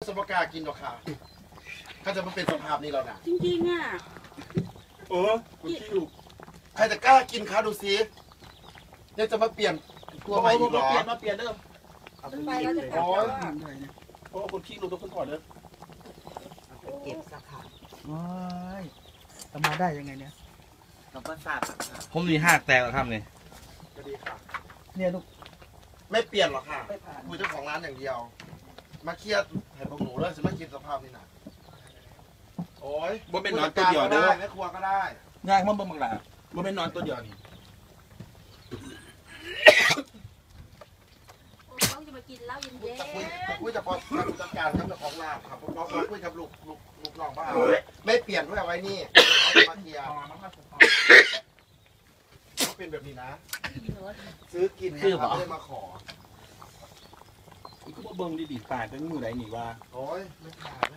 สมการกินหรอกค่ะถ้าจะมาเป็นสภาพนี้แล้วนะจริงๆอ่ะคุณขี้ลูกใครจะกล้ากินคะดูซิยังจะมาเปลี่ยนตัวใหม่อีกเหรอมาเปลี่ยนเด้อมันไปแล้วจะกลับแล้วอ่ะเพราะคนขี้ลูกต้องคนก่อนเด้อเก็บสาขาว้ายทำมาได้ยังไงเนี่ยเราก็ทราบสาขาผมมีหักแตกแล้วครับนี่ก็ดีค่ะเนี่ยลูกไม่เปลี่ยนหรอกค่ะคุยเจ้าของร้านอย่างเดียว มาเครียดให้พวกหนูเลยจะมากินสภาพนี้นะโอ้ยบ่เป็นนอนตัวเดียวเด้อแม่ครัวก็ได้ง่ายมันบ่บังหลาบ่เป็นนอนตัวเดียวนี่ต้องจะมากินเหล้าเย็นจะคุยจะพอจัดการกับเจ้าของร้านครับเราคุยกับลูกน้องบ้านไม่เปลี่ยนด้วยเอาไว้นี่เอามาเคลียร์เขาเป็นแบบนี้นะ ซื้อกินนะครับไม่ได้มาขอมันก็บ่เบิ่งดีๆตายเป็นมือใดนี่ว่าโอ้ยไม่ขาด